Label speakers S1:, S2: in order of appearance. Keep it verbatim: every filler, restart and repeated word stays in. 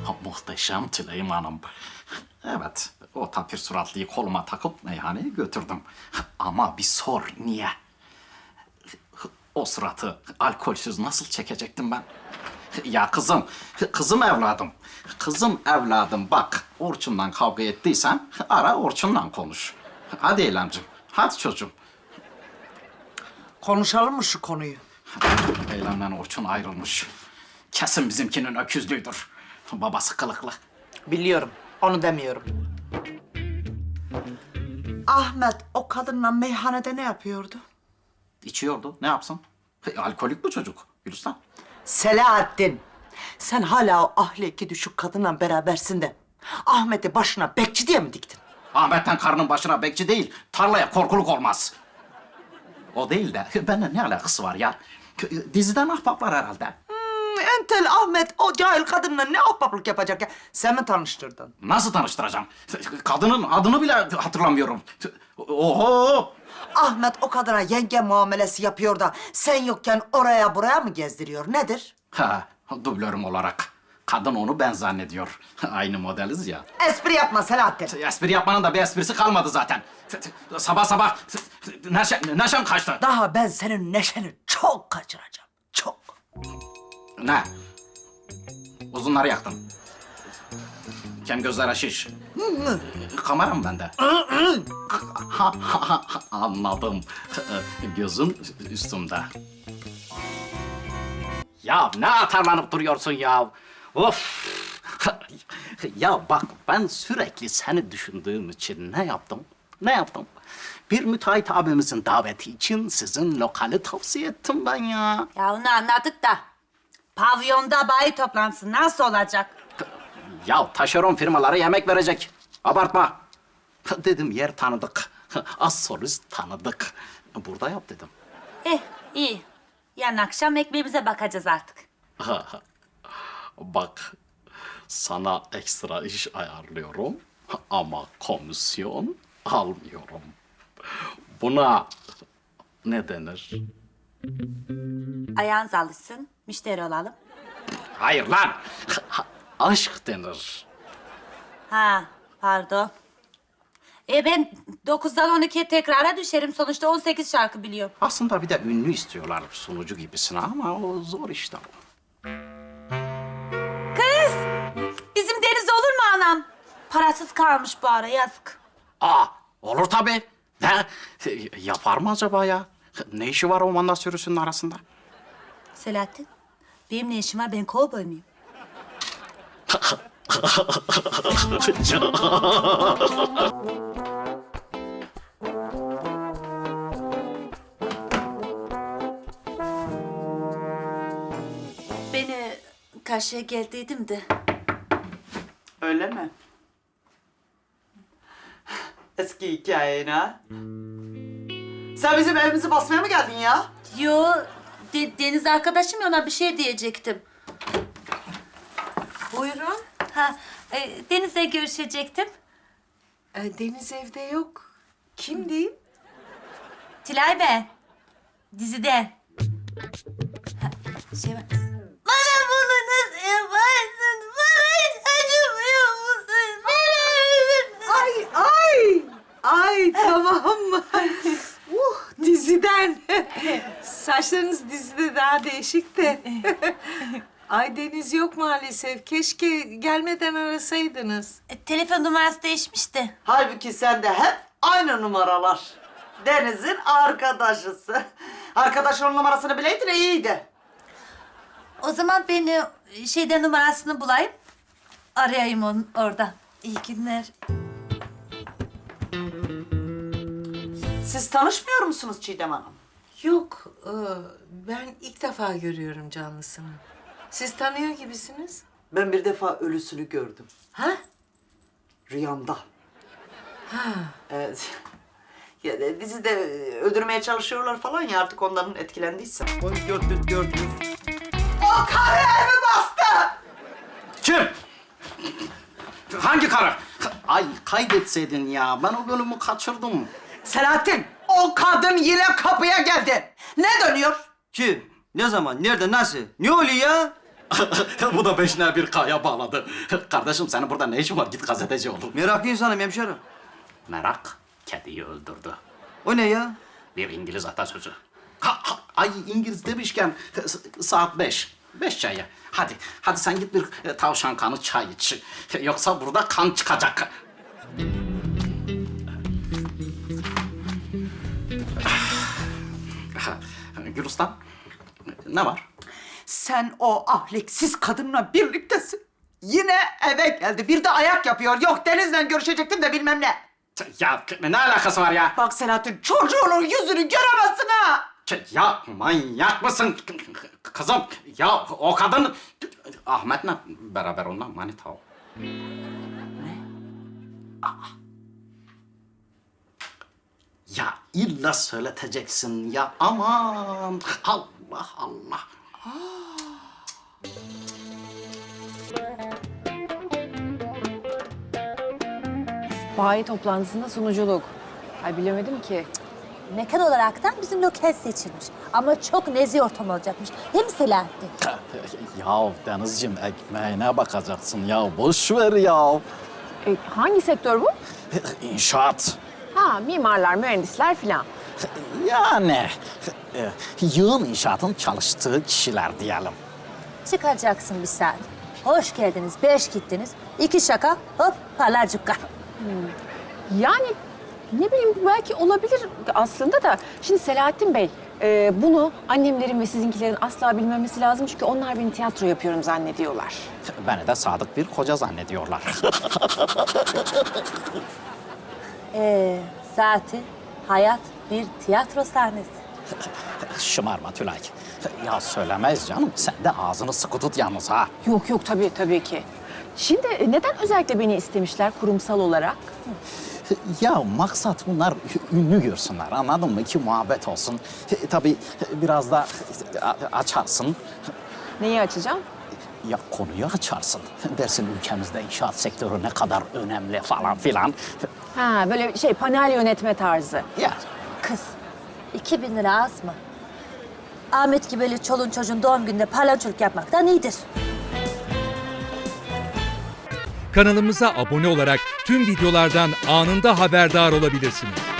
S1: Muhteşem Tüleyim Hanım. Evet, o tapir suratlıyı koluma takıp meyhaneye götürdüm. Ama bir sor, niye? O suratı alkolsüz nasıl çekecektim ben? Ya kızım, kızım evladım. Kızım evladım bak, Orçun'la kavga ettiysen ara Orçun'la konuş. Hadi Eylemciğim, hadi çocuğum.
S2: Konuşalım mı şu konuyu?
S1: Eylem'le Orçun ayrılmış. Kesin bizimkinin öküzlüğüdür. Babası kılıklı.
S2: Biliyorum, onu demiyorum. Ahmet o kadınla meyhanede ne yapıyordu?
S1: İçiyordu, ne yapsın? Alkolik bu çocuk, Gülistan.
S2: Selahattin, sen hala o ahlaki düşük kadınla berabersin de Ahmet'i başına bekçi diye mi diktin?
S1: Ahmet'ten karının başına bekçi değil, tarlaya korkuluk olmaz. O değil de, benimle ne alakası var ya? Diziden ahbaplar herhalde.
S2: Hmm, entel Ahmet o cahil kadınla ne ahbaplık yapacak ya? Sen mi tanıştırdın?
S1: Nasıl tanıştıracağım? Kadının adını bile hatırlamıyorum. Oho!
S2: Ahmet o kadına yenge muamelesi yapıyor da sen yokken oraya buraya mı gezdiriyor? Nedir?
S1: Ha, dublörüm olarak. Kadın onu ben zannediyor. Aynı modeliz ya.
S2: Espri yapma Selahattin.
S1: Espri yapmanın da bir esprisi kalmadı zaten. Sabah sabah neşe, neşem kaçtı.
S2: Daha ben senin neşeni çok kaçıracağım. Çok.
S1: Ne? Uzunları yaktın. Kem gözlere şiş. Kameram bende. Ha, ha, ha, Anladım. Gözün üstümde. Ya ne atarlanıp duruyorsun ya? Of! Ya bak ben sürekli seni düşündüğüm için ne yaptım? Ne yaptım? Bir müteahhit abimizin daveti için sizin lokali tavsiye ettim ben ya.
S3: Ya onu anladık da pavyonda bayi toplantısı nasıl olacak?
S1: Ya taşeron firmalara yemek verecek. Abartma. Dedim yer tanıdık. Az solist tanıdık. Burada yap dedim.
S3: Eh iyi. Yarın akşam ekmeğimize bakacağız artık.
S1: Bak sana ekstra iş ayarlıyorum ama komisyon almıyorum. Buna ne denir?
S3: Ayağınız alışsın, müşteri olalım.
S1: Hayır lan. Aşk denir.
S3: Ha pardon. E ben dokuzdan on ikiye tekrara düşerim. Sonuçta on sekiz şarkı biliyorum.
S1: Aslında bir de ünlü istiyorlar sunucu gibisine ama o zor işte o.
S3: Kız! Bizim Deniz olur mu anam? Parasız kalmış bu ara yazık.
S1: Aa, olur tabii. Ne? Yapar mı acaba ya? Ne işi var o manda sürüsünün arasında?
S3: Selahattin, benim ne işim var? Ben kovboy muyum? Beni karşıya geldiydim de.
S2: Öyle mi? Eski hikayen ha? Sen bizim evimizi basmaya mı geldin ya?
S3: Yo, De- Deniz arkadaşım ya, ona bir şey diyecektim.
S4: Buyurun.
S3: Ha, e, Deniz'le görüşecektim.
S4: Ee, Deniz evde yok. Kim diyeyim?
S3: Tilay ben. Diziden. Ha, şey var. Bana bunu nasıl yaparsın? Bana hiç acımıyor musun? Beni
S4: Ay ay. Ay tamam mı? uh diziden. Saçlarınız dizide daha değişik de. Ay Deniz yok maalesef. Keşke gelmeden arasaydınız.
S3: E, telefon numarası değişmişti.
S2: Halbuki sende hep aynı numaralar. Deniz'in arkadaşısı. Arkadaş onun numarasını bileydin iyiydi.
S3: O zaman ben e, şeyden numarasını bulayım. Arayayım onu orada. İyi günler.
S2: Siz tanışmıyor musunuz Çiğdem Hanım?
S4: Yok. e, Ben ilk defa görüyorum canlısını. Siz tanıyor gibisiniz.
S2: Ben bir defa ölüsünü gördüm.
S4: Ha?
S2: Rüyamda. Ha. Evet. Ya de, dizide öldürmeye çalışıyorlar falan ya artık onların etkilendiysem. Onu gördüm, gördüm. O karı evi bastı!
S1: Kim? Hangi karı? Ay kaydetseydin ya. Ben o bölümü kaçırdım.
S2: Selahattin, o kadın yine kapıya geldi. Ne dönüyor?
S5: Kim? Ne zaman? Nerede? Nasıl? Ne oluyor ya?
S1: Bu da beşine bir kaya bağladı. Kardeşim senin burada ne işin var? Git gazeteci ol.
S5: Meraklı insanım hemşerim.
S1: Merak kediyi öldürdü.
S5: O ne ya?
S1: Bir İngiliz atasözü. Ha, ha, ay İngiliz demişken s- saat beş. Beş çayı. Hadi, hadi sen git bir e, tavşan kanı çay iç. Yoksa burada kan çıkacak. Gülistan, ne var?
S2: Sen o ahlaksız kadınla birliktesin. Yine eve geldi. Bir de ayak yapıyor. Yok Deniz'le görüşecektim de bilmem ne.
S1: Ya ne alakası var ya?
S2: Bak Selahattin çocuğunun yüzünü göremezsin ha.
S1: Ya manyak mısın kızım? Ya o kadın Ahmet'le beraber onunla manita o. Aa. Ya illa söyleteceksin ya aman Allah Allah.
S6: Bayi toplantısında sunuculuk. Ay bilemedim ki.
S3: Mekan olaraktan bizim lokal seçilmiş. Ama çok nezih ortam olacakmış. Değil mi Selahattin?
S1: Ya Denizciğim ekmeğine bakacaksın ya boş ver ya.
S6: E, hangi sektör bu?
S1: İnşaat.
S6: Ha, mimarlar, mühendisler filan.
S1: Yani e, yığın inşaatın çalıştığı kişiler diyelim.
S3: Çıkacaksın bir saat. Hoş geldiniz, beş gittiniz. İki şaka, hop parlar cukka.
S6: Yani ne bileyim belki olabilir aslında da. Şimdi Selahattin Bey, e, bunu annemlerin ve sizinkilerin asla bilmemesi lazım. Çünkü onlar beni tiyatro yapıyorum zannediyorlar.
S1: Beni de sadık bir koca zannediyorlar.
S3: Ee, zaten hayat bir tiyatro sahnesi.
S1: Şımarma Tülay. Ya söylemez canım. Sen de ağzını sıkı tut yalnız ha.
S6: Yok yok tabii tabii ki. Şimdi e, neden özellikle beni istemişler kurumsal olarak?
S1: Ya maksat bunlar ünlü görsünler anladın mı? Ki muhabbet olsun. Tabii biraz da açarsın.
S6: Neyi açacağım?
S1: Ya konuyu açarsın. Dersin ülkemizde inşaat sektörü ne kadar önemli falan filan.
S6: Ha böyle şey panel yönetme tarzı.
S1: Ya
S3: Kız, iki bin lira az mı? Ahmet gibi böyle çolun çocuğun doğum gününde palançoluk yapmaktan iyidir.
S7: Kanalımıza abone olarak tüm videolardan anında haberdar olabilirsiniz.